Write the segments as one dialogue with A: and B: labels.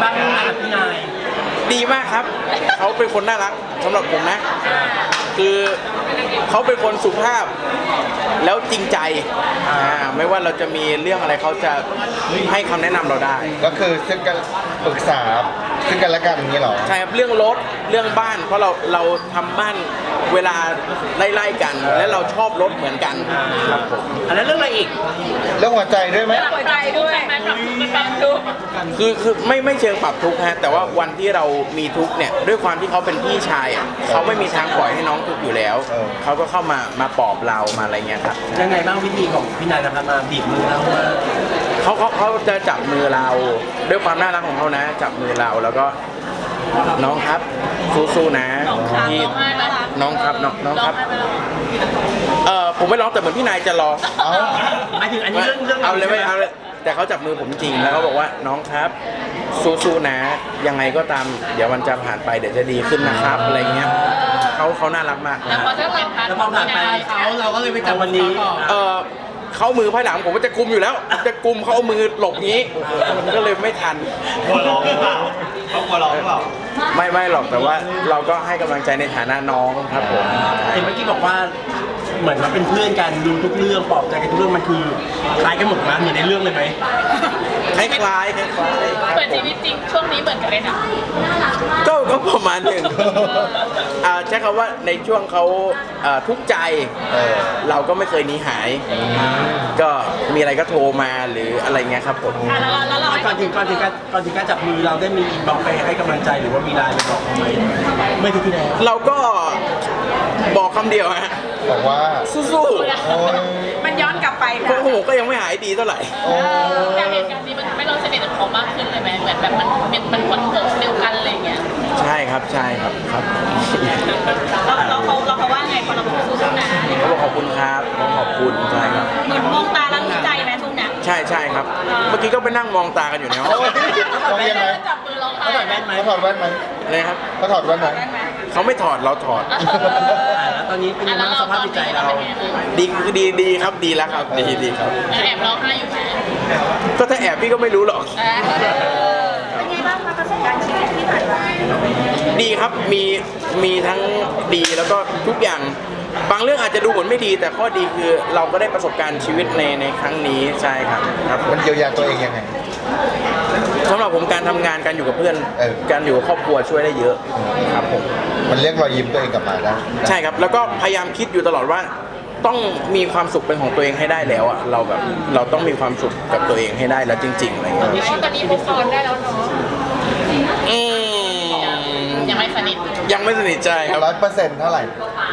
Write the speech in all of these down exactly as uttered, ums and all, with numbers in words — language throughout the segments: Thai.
A: บ้างงานกับพี่นาย
B: ดีมากครับเขาเป็นคนน่ารักสำหรับผมนะคือเขาเป็นคนสุภาพแล้วจริงใจอ่าไม่ว่าเราจะมีเรื่องอะไรเขาจะให้คำแนะนำเราได้
C: ก็คือซึ่งกันปรึกษาซึ่งกันและกันอย่างนี้เหรอ
B: ใช่ครับเรื่องรถเรื่องบ้านเพราะเราเราทำบ้านเวลาไล่ๆกันและเราชอบรถเหมือนกันครับผม
A: อันนั้นเรื่องอะไรอีก
C: เรื่องหัวใจด้วยไหม
D: หัวใจด้วยไหมปรับทุกข์ปรับทุกข์
B: คือคือไม่ไม่เชิงปรับทุกข์ฮะแต่ว่าวันที่เรามีทุกข์เนี่ยด้วยความที่เขาเป็นพี่ชายอ่ะเขาไม่มีทางปล่อยให้น้องทุกข์อยู่แล้วเขาก็เข้ามามาปลอบเรามาอะไรเงี้ยครับ
A: ยังไงบ้างวิธีของพี่นายนะครับมาบีบมือเราว่า
B: เขาเขาเขาจะจับมือเราด้วยความน่ารักของเขานะจับมือเราแล้วก็น้องครับสู้ๆนะ
D: ที่
B: น้องครับน้องน้องครับเออผมไม่ร้องแต่เหมือนพี่นายจะรอ
A: เอาหมายถึงอันนี้เรื่องเรื่อง
B: เอาเลยไม่เอาเลยแต่เขาจับมือผมจริงแล้วเขาบอกว่าน้องครับสู้ๆนะยังไงก็ตามเดี๋ยวมันจะผ่านไปเดี๋ยวจะดีขึ้นนะครับอะไรเงี้ยเขาเขาน่ารักมาก
D: แล้วพอถ้าเราผ่าน
A: แล้วพอผ่านไปเขาเราก็เลยไปจับวันนี้
B: เออเขามือภายหลังผมก็จะกุมอยู่แล้วจะกุมเขาเอามือหลบงี้ก็เลยไม่ทัน
E: กลัวร้องหรือเปล่าเขากลัวร้องหรือเปล่า
B: ไม่ไม่หรอกแต่ว่าเราก็ให้กำลังใจในฐานะน้องครับผม
A: เห็นเมื่อกี้บอกว่าเหมือนเราเป็นเพื่อนกันดูทุกเรื่องปลอบใจกันทุกเรื่องมันคือคล้ายกันหมดมั้ยเหมือนในเรื่องเลยไหม
B: คล้ายคล้ายคล้าย
D: เปิดชีวิตจริงช่วงนี้เหมือนกันเลยนะ
B: ก็ก็ประมาณหนึ่งใช้คำว่าในช่วงเขาทุกข์ใจเราก็ไม่เคยหนีหายก็มีอะไรก็โทรมาหรืออะไรเงี้ยครับผม
A: ก่อนถึงก่อนถึงการก่อนถึงการจับมือเราได้มีบอกไปให้กำลังใจหรือว่ามีไลน์ไปบอกเขาไหมไม่ทีที่แล้ว
B: เราก็บอกคำเดียวฮะ
C: บอกว่า
B: สู้
D: ๆมันย้อนกลับไปนะ
B: โอ้โหก็ยังไม่หายดีเท่าไหร่
D: การเหตุการณ์นี้มันทำให้เราสนิทกับเขามากขึ้นเลยไหมเหมือนแบบมันเป็นมันคนเดียวกันอะไรเงี้ย
B: ใช่ครับใช่ครับครับ
D: เราเราเขาเราเขาว่าไงพอเราพูดสู้ๆนะ
B: เขาบอกขอบคุณครับขอบคุณใช่ครับ
D: เหมือนมองตาแล้วมีใจไหมทุกเนี่ย
B: ใช่ใช่ครับเมื่อกี้ก็ไปนั่งมองตากันอยู่ในห้อง
C: มองยังไง
D: จับมือเรา
A: เขาถอดแว่นไหม
C: เขาถอดแว่นไหม
B: อะไรครับ
C: เขาถอดแว่นไหม
B: เขาไม่ถอดเราถอด
A: แล้วตอนนี้เป็นยังไงสภาพจิตใจเรา
B: ดีดีดีครับดีแล้วครับดีดีครับ
D: แอบร้องไห้อยู่ไหม
B: ก็ถ้าแอบพี่ก็ไม่รู้หรอก
D: เป็นไงบ้างคะประสบการณ์ชีวิตที่ผ่านมา
B: ดีครับมีมีทั้งดีแล้วก็ทุกอย่างบางเรื่องอาจจะดูเหมือนไม่ดีแต่ข้อดีคือเราก็ได้ประสบการณ์ชีวิตในในครั้งนี้ใช่ครับครับ
C: มันเยียวยาตัวเองยังไง
B: สำหรับผมการทำงานการอยู่กับเพื่อนการอยู่กับครอบครัวช่วยได้เยอะครับผม
C: มันเรียกรอยยิ้มตัวเองกลับมาได้
B: ใช่ครับแล้วก็พยายามคิดอยู่ตลอดว่าต้องมีความสุขเป็นของตัวเองให้ได้แล้วอ่ะเราแบบเราต้องมีความสุขกับตัวเองให้ได้แล้วจริงๆอะไรอย่างเงี้ย
D: ตอนนี้มุกออนได้แล้วเนาะ
B: อืม
D: ยังไม่สนิท
B: ยังไม่สนิทใจครับ
C: ร้อยเปอร์เซ็นต์เท่าไหร่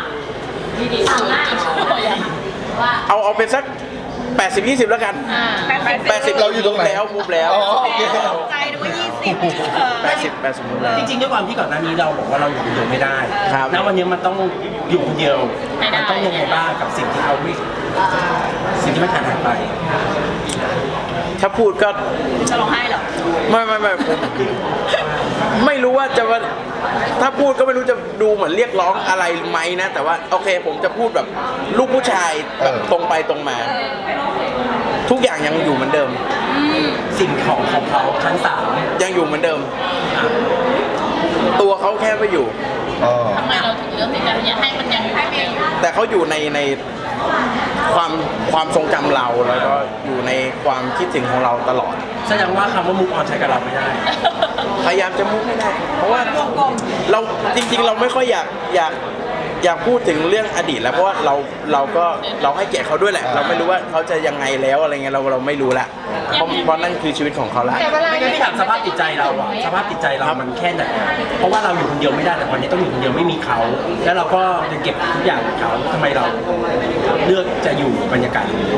B: เอาเอาเป็นสักแปดสิบ ยี่สิบแล้วกันแปดสิบ
C: เราอยู่ตรงไหน
B: แล้วมุกแล้ว
D: ใจดูว่ายี่สิบ
B: แปดสิบแปดสิบมุกแล้ว
A: จริงๆด้วยความที่ก่อนหน้านี้เราบอกว่าเราอยู่คนเดียวไม่ได้แล้ววันนี้มันต้องอยู่คนเดียวมันต้องยังไงบ้างกับสิ่งที่เราไม่สิ่งที่ไม่ขาดหายไป
B: ถ้าพูดก็
D: จะร้องไห้เหรอ
B: ไม่ไม่ไม่ผมไม่รู้ว่าจะว่าถ้าพูดก็ไม่รู้จะดูเหมือนเรียกร้องอะไรไหมนะแต่ว่าโอเคผมจะพูดแบบลูกผู้ชายแบบตรงไปตรงมาทุกอย่างยังอยู่เหมือนเดิม
A: สิ่งของของเขาชั้นสาม
B: ยังอยู่เหมือนเดิมตัวเขาแค่ไม่อยู่
D: ทำไมเราถึงเลือกที่จะให้มันยังให้ไม่อยู่
B: แต่เขาอยู่ในในความความทรงจำเราแล้วก็อยู่ในความคิดถึงของเราตลอด
A: แสดงว่าคำว่ามุกออนใช้กับเราไม่ได้
B: พยายามจะมุกไม่ได้เพราะว่าเราจริงๆเราไม่ค่อยอยากอยากอยากพูดถึงเรื่องอดีตแล้วเพราะว่าเราเราก็เราให้เกียรติเขาด้วยแหละเราไม่รู้ว่าเขาจะยังไงแล้วอะไรเงี้ยเราเราไม่รู้ละเพราะเพราะนั่นคือชีวิตของเขาละ
A: ไม่ได้ถามสภาพจิตใจเราอะสภาพจิตใจเรามันแค่ไหนเพราะว่าเราอยู่คนเดียวไม่ได้แต่วันนี้ต้องอยู่คนเดียวไม่มีเขาแล้วเราก็จะเก็บทุกอย่างของเขาทำไมเราเลือกจะอยู่บรรยากาศนี้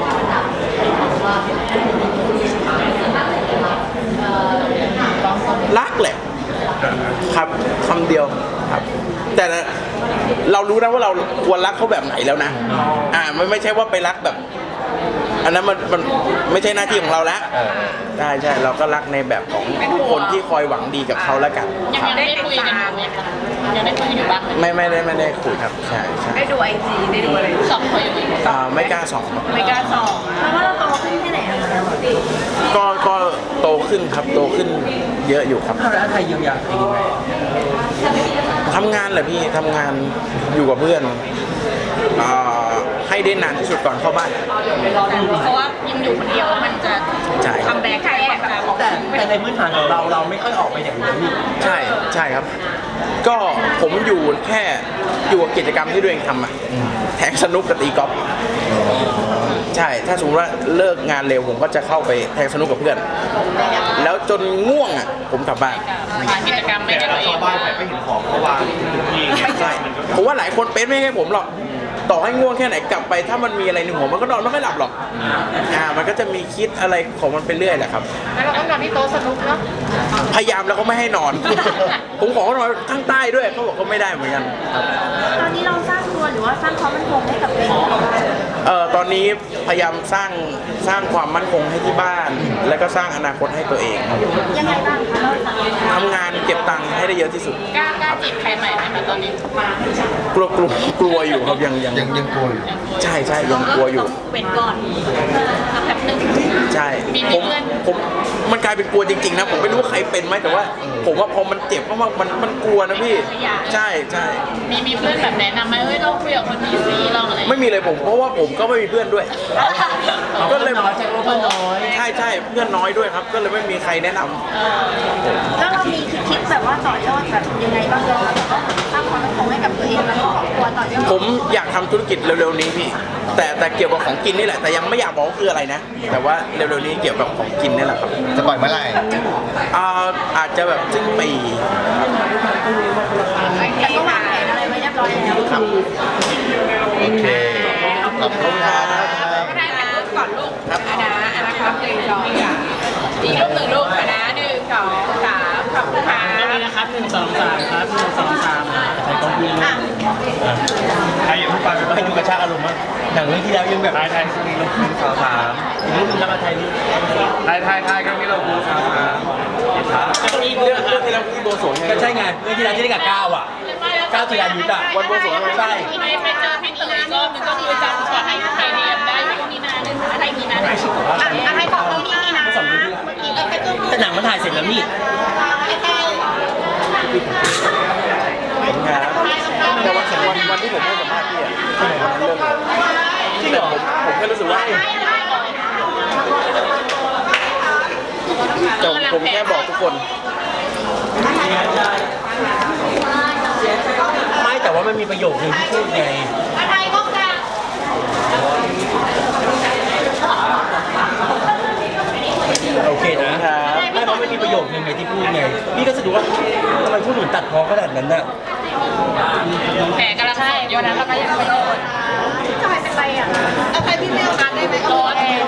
B: รักแหละครับคำเดียวครับแต่เรารู้นะว่าเราควรรักเขาแบบไหนแล้วนะอ่าไม่ไม่ใช่ว่าไปรักแบบอันนั้นมันมันไม่ใช่หน้าที่ของเราแล้ว
C: เออ
B: ใช่ใช่เราก็รักในแบบของคนที่คอยหวังดีกับเขาแล้วกัน
D: ยังยังได้คุยกันอยู่ไหมคะยังได้คุยกันอยู่บ้างไหม
B: ไม่ไม่ได้ไม่ได้คุยครับใช่ใช่
F: ได้ดูไอจีได้ดูอะไร
D: สอบเขาอยู่ไหม
B: อ่าไม่กล้าสองครับ
F: ไม่กล้าสอบเพราะว่าเราโตขึ้นแค่ไหนอะ
B: ก็ก็โตขึ้นครับโตขึ้นเยอะอยู่ครับ
A: เอาแล้วไทยเยียวยาตัวเองยังไง
B: ทำงานแหละพี่ทำงานอยู่กับเพื่อนอ่าให้ได้นานที่สุดก่อนเข้าบ้าน
D: เพราะว่ายังอยู่คนเดียวแล้วมันจะ
B: ใช่
D: ทำแบกใครแบบ
A: แต่แต่ในพื้นฐานของเราเราไม่ค่อยออกไปอย่างนี้นี่
B: ใช่ใช่ครับ ก็ผมอยู่แค่อยู่กับกิจกรรมที่ตัวเองทำอะแทงสนุกกับตีกอล์ฟใช่ถ้าสมมติว่าเลิกงานเร็วผมก็จะเข้าไปแทงสนุกกับเพื่อน แล้วจนง่วงอ่ะผมกลับบ้าน
D: หากิจกรรมไม่
E: แต่
D: ได้
E: เรา
D: ตัวเอ
E: เข้าง บ้านไปไม่เห็นของเขาวางทุกที่
B: ใช่ผมว่าหลายคนเป็นไม่ใช่ผมหรอกต่อให้ง่วงแค่ไหนกลับไป ถ้ามันมีอะไรในหัวมันก็นอนไม่ค่อยหลับหรอกอ่ามันก็จะมีคิดอะไรของมันไปเรื่อยแหละครับ
F: แล้วเราต้องนอนที่โต๊ะสนุกเนาะ
B: พยายามแล้วก็ไม่ให้นอน ผมขอเขานอนข้างใต้ด้วยเขาบอกเขาไม่ได้เหมือนกันครับ
F: ตอนนี้เราสร้างตัวหรือว่าสร้างความมั่นคงให้กับตัวเอง
B: เอ่อตอนนี้พยายามสร้างสร้างความมั่นคงให้ที่บ้าน แล้วก็สร้างอนาคตให้ตัวเอง
F: ยังไงบ้างคะเราสั่ง
B: ทำงานเก็บตังค์ให้ได้เยอะที่สุด
D: กล้ากล้าจีบใครใหม่ไหมคะตอนนี้
B: กลัวกลัวกลัวอยู่ครับยังยัง
C: ยังยังกลัวอยู่
B: ใช่ใช่ยังกลัวอยู่
D: เว้นก่อนสักแป๊บหนึง
B: ใช่
D: มี
B: ผม
D: เพื่อน
B: ผมมันกลายเป็นกลัวจริงๆนะผมไม่รู้ว่าใครเป็นไหมแต่ว่า ผมว่าพอมันเจ็บมากๆมันมันกลัวนะพี่ ใช่ใช่
D: มีมีเพื่อนแบบแนะนำไหมเฮ้ยลองคุยกับคนนี้สิลองอะไร
B: ไม่มีเลยผมเพราะว่าผมก็ไม่มีเพื่อนด้วย ก็เลย
A: น้อยใจว่าเพื่อนน้อย
B: ใช่ใช่เพื่อนน้อยด้วยครับ ก็เลยไม่มีใครแนะนำ
F: แล้วเรามีคิดแบบว่าต่อยอดแบบยังไงบ้างเราแบบว่าสร้างความมั่นคงให้กับตัวเองแล้วก็ครอบครัวต่อยอด
B: ผมอยากทำธุรกิจเร็วๆนี้พี่ แต่แต่เกี่ยวกับของกินนี่แหละ แต่ยังไม่อยากบอกว่าคืออะไรนะ แต่ว่าเร็วๆนี้เกี่ยวกับของกินนี่แหละครับ
C: จะปล่อยเมื่อไหร่
B: อ่าอาจจะแบบสิ้นปี
F: แต่ก็วางแผนอะไรไว้เรียบร้อยแล้ว
B: ครับ
C: โอเค ขอบคุณครับ
D: ก็ได้ถ่ายรูปก่อนลูกอันนะอันนะครับหนึ่งสองสามอีกรูปหนึ่งลูกอันนะหนึ่งสองสามขอบคุณค่ะ
A: ก็มีนะครับหนึ่งสองสามครับหนึ่งสองสามใช้กล้องพี่นะ
E: ใครอย่าเพิ่งไป
A: ก็ให้ดูกระชากอารมณ์มั้งหนังเรื่องที่แล้วยังแบบ
E: ไทยไทยมีลูกคุณสาวสาม
A: อีกรูปนึงแล้วมาไทยรูป
E: ไทยไทยไทยก็มีเราคุณสาวสาม
A: ก็มี
B: เรื่องเรื่องที่เราที่โบสถ์ไง
A: ก็ใช่ไงเรื่องที่แล้วที่ได้กับก้าวอ่ะก้าวจีรายุทธอ่ะ
B: วันบวงสรวง
A: ใช่
D: ไปไปเจอพี่เต๋ออีกรอบนึงก็คือจำขอให้ไทยเรียนได้อยู่มีนาหนึ่งอะไรมีนาหนึ่งอะไรของเรามีนา
A: สองเรื่องที่แล้วแต่หนังมันถ่ายเสร็จแล้วนี่
B: ครับแต่วันวันวันที่ผมให้สัมภาษณ์พี่อะวันนั้นเรื่องอะไร
A: จริงเหรอ
B: ผมผมแค่รู้สึกว่าแต่ผมแค่บอกทุกคน
A: ไม่แต่ว่ามันมีประโยคนึงที่พูดไง
D: อะไรก็กลาง
A: โอเคนะไม่เพราะไม่มีประโยคนึงไงที่พูดไงพี่ก็รู้สึกว่าทำไมพูดเหมือนตัดพ้อขนาดนั้นน่ะ
D: แผลกำลังสดอยู่วันนั้นเราก็ยังไม่โดน
F: ทำไมเป็นไรอ่ะ
D: เอาใครพี่ไม่เอาการได้ไหมร้อน